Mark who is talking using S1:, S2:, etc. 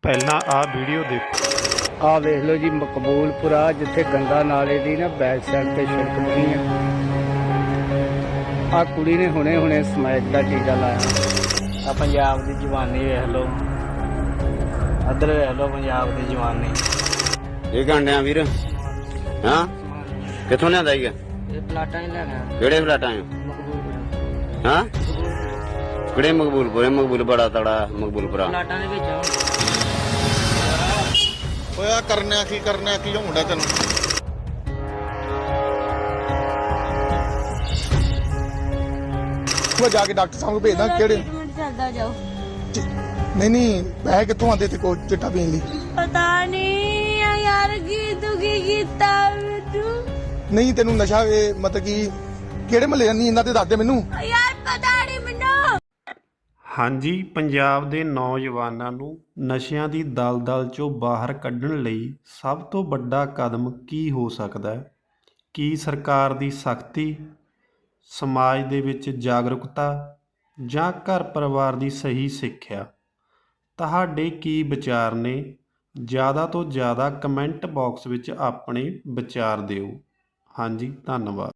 S1: ਪਹਿਲਾਂ ਆਹ ਵੀਡੀਓ ਦੇਖੋ।
S2: ਆ ਵੇਖ ਲਓ ਜੀ, ਮਕਬੂਲਪੁਰਾ ਜਿੱਥੇ ਗੰਗਾ ਨਾਲੇ ਦੀ ਨਾ ਬੈਕ ਸਾਈਡ ਤੇ ਸੜਕ ਬਣੀ ਆ ਕੁੜੀ ਨੇ ਹੁਣੇ ਸਮੈਕ ਦਾ ਟੀਕਾ ਲਾਇਆ।
S3: ਆ ਪੰਜਾਬ ਦੀ ਜਵਾਨੀ ਵੇਖ ਲਓ, ਇੱਧਰ ਵੇਖ ਲਓ ਪੰਜਾਬ ਦੀ ਜਵਾਨੀ।
S4: ਇਹ ਗਾਂਡਿਆਂ ਵੀਰ ਹਾਂ ਕਿੱਥੋਂ ਲਿਆਂਦਾ ਈਗਾ?
S3: ਇਹ ਪਲਾਟਾਂ ਹੀ ਲੈਣਾ।
S4: ਕਿਹੜੇ ਪਲਾਟਾਂ ਆ?
S3: ਮਕਬੂਲਪੁਰਾ।
S4: ਹਾਂ ਕਿਹੜੇ ਮਕਬੂਲਪੁਰੇ? ਮਕਬੂਲ ਬੜਾ ਤੜਾ ਮਕਬੂਲਪੁਰਾ
S3: ਪਲਾਟਾਂ ਦੇ ਵਿੱਚ
S5: ਹੋਇਆ ਕਰਨਾ ਕੀ ਹੁੰਦਾ ਤੈਨੂੰ? ਮੈਂ ਜਾ ਕੇ ਡਾਕਟਰ ਸਾਹਿਬ ਨੂੰ ਭੇਜਦਾ। ਕਿਹੜੇ
S6: ਚੱਲਦਾ ਜਾਓ।
S5: ਨਹੀਂ ਪੈਸੇ ਕਿੱਥੋਂ ਆਉਂਦੇ ਤੇ ਕੋ ਚਿੱਟਾ ਪੀਣ ਲਈ?
S6: ਪਤਾ ਨਹੀਂ ਯਾਰ ਕੀ ਦੁਖੀ ਕੀਤਾ ਮੈਨੂੰ।
S5: ਨਹੀਂ ਤੈਨੂੰ ਨਸ਼ਾ ਮਤਲਬ ਕਿ ਕਿਹੜੇ ਮਹੱਲੇ ਨਹੀਂ ਇਹਨਾਂ ਦੇ ਦੱਸ ਦੇ ਮੈਨੂੰ।
S6: ਯਾਰ ਪਤਾ ਨਹੀਂ ਮੈਨੂੰ।
S1: ਹਾਂਜੀ, ਪੰਜਾਬ ਦੇ ਨੌਜਵਾਨਾਂ ਨੂੰ ਨਸ਼ਿਆਂ ਦੀ ਦਲਦਲ 'ਚੋਂ ਬਾਹਰ ਕੱਢਣ ਲਈ ਸਭ ਤੋਂ ਵੱਡਾ ਕਦਮ ਕੀ ਹੋ ਸਕਦਾ ਹੈ? ਕੀ ਸਰਕਾਰ ਦੀ ਸਖਤੀ, ਸਮਾਜ ਦੇ ਵਿੱਚ ਜਾਗਰੂਕਤਾ ਜਾਂ ਘਰ ਪਰਿਵਾਰ ਦੀ ਸਹੀ ਸਿੱਖਿਆ? ਤੁਹਾਡੇ ਕੀ ਵਿਚਾਰ ਨੇ? ਜ਼ਿਆਦਾ ਤੋਂ ਜ਼ਿਆਦਾ ਕਮੈਂਟ ਬਾਕਸ ਵਿੱਚ ਆਪਣੇ ਵਿਚਾਰ ਦਿਓ। ਹਾਂਜੀ, ਧੰਨਵਾਦ।